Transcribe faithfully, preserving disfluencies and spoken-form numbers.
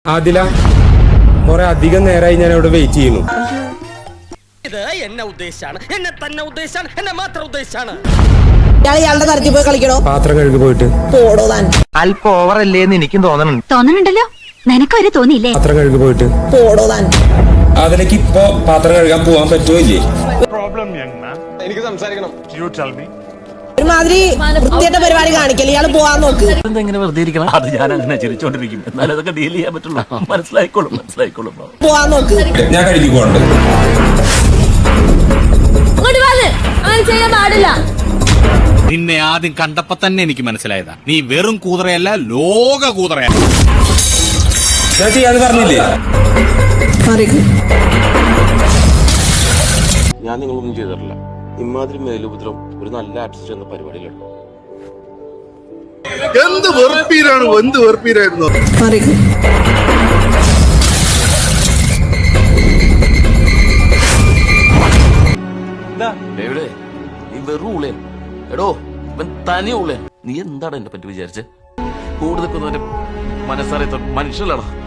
ആദില, കുറെ അധികം നേരമായി ഞാൻ ഇവിടെ വെയിറ്റ് ചെയ്യുന്നു. ഇത് എന്നെ ഉദ്ദേശാണ്, എന്നെ തന്നെ ഉദ്ദേശാണ്, എന്നെ മാത്രം ഉദ്ദേശാണ്. ഇയാളുടെ തരത്തിൽ പോയി കളിക്കണോ? പാത്രം കഴുകി പോയിട്ട് പോടോ താൻ. അല്പം ഓവറല്ലേന്ന് എനിക്കും തോന്നണുണ്ട്. തോന്നണുണ്ടല്ലോ, നിനക്ക് വരെ തോന്നിയില്ലേ? പാത്രം കഴുകി പോയിട്ട് പോടോ താൻ. അതിലേക്ക് ഇപ്പൊ പാത്രം കഴുകാൻ പോവാൻ പറ്റുമോ ഇല്ലേ? എനിക്ക് സംസാരിക്കണം. ഒരുമാതിരി വൃത്തിയായിട്ട പരിപാടി കാണിക്കല്. ഇയാള് പോവാൻ നോക്ക്. എങ്ങനെ വെറുതെ ഇരിക്കണം? അത് ഞാൻ അങ്ങനെ ചിരിച്ചോണ്ടിരിക്കും. എന്നാലും അതൊക്കെ ഡീൽ ചെയ്യാൻ പറ്റുള്ളൂ. മനസ്സിലായിക്കോളും മനസ്സിലായിക്കോളും പോവാൻ നോക്ക്. ഞാൻ കഴുകിക്കോണ്ട്. നിന്നെ ആദ്യം കണ്ടപ്പോ തന്നെ എനിക്ക് മനസ്സിലായതാ, നീ വെറും കൂതറയല്ല, ലോക കൂതറയാ. ഞാൻ ചെയ്യാന്ന് പറഞ്ഞില്ലേ? ഞാൻ നിങ്ങളൊന്നും ചെയ്തിട്ടില്ല. ഇമാതിരി മേലുപദ്രം ഒരു നല്ല ആർട്ടിസ്റ്റ് എന്ന പരിപാടിയിലുണ്ട്. എന്ത് വെറുപ്പീരാണ്, എന്ത് വെറുപ്പീരായിരുന്നു. നീ വെറും ഉള്ളേ എടോ, ഇവൻ തനി ഉള്ളേ. നീ എന്താണ് എന്നെ പറ്റി വിചാരിച്ച്? കൂടുതൽ മനസ്സറിയാത്ത മനുഷ്യനാണ്.